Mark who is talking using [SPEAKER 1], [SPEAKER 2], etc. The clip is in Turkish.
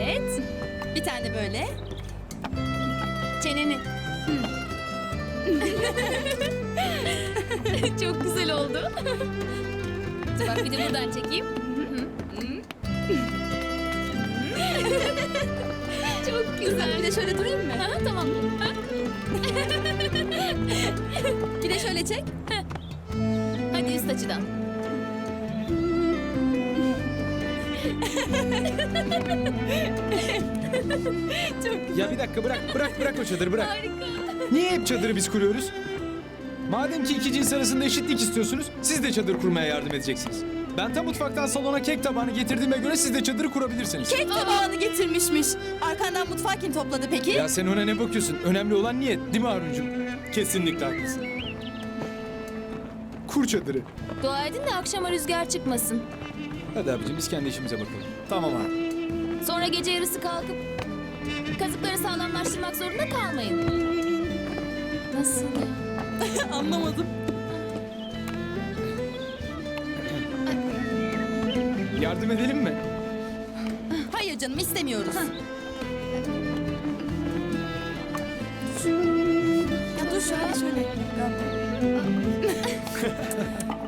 [SPEAKER 1] Evet.
[SPEAKER 2] Bir tane de böyle.
[SPEAKER 1] Çeneni. Çok güzel oldu. Dur bak bir de buradan çekeyim. Çok güzel.
[SPEAKER 2] Bir de şöyle durayım mı?
[SPEAKER 1] Ha, tamam.
[SPEAKER 2] Bir de şöyle çek.
[SPEAKER 1] Hadi üst açıdan.
[SPEAKER 3] Ya bir dakika bırak o çadırı bırak.
[SPEAKER 1] Harika.
[SPEAKER 3] Niye hep çadırı biz kuruyoruz? Madem ki iki cins arasında eşitlik istiyorsunuz, siz de çadır kurmaya yardım edeceksiniz. Ben tam mutfaktan salona kek tabağını getirdiğime göre siz de çadırı kurabilirsiniz.
[SPEAKER 2] Kek tabağını getirmişmiş. Arkandan mutfağı kim topladı peki?
[SPEAKER 3] Ya sen ona ne bakıyorsun? Önemli olan niyet, değil mi Haruncuğum? Kesinlikle haklısın. Kur çadırı.
[SPEAKER 1] Dua edin de akşama rüzgar çıkmasın.
[SPEAKER 3] Hadi abicim biz kendi işimize bakalım. Tamam abi.
[SPEAKER 1] Sonra gece yarısı kalkıp kazıkları sağlamlaştırmak zorunda kalmayın. Nasıl ya?
[SPEAKER 2] Anlamadım.
[SPEAKER 3] Yardım edelim mi?
[SPEAKER 2] Hayır canım istemiyoruz. Ya dur şöyle.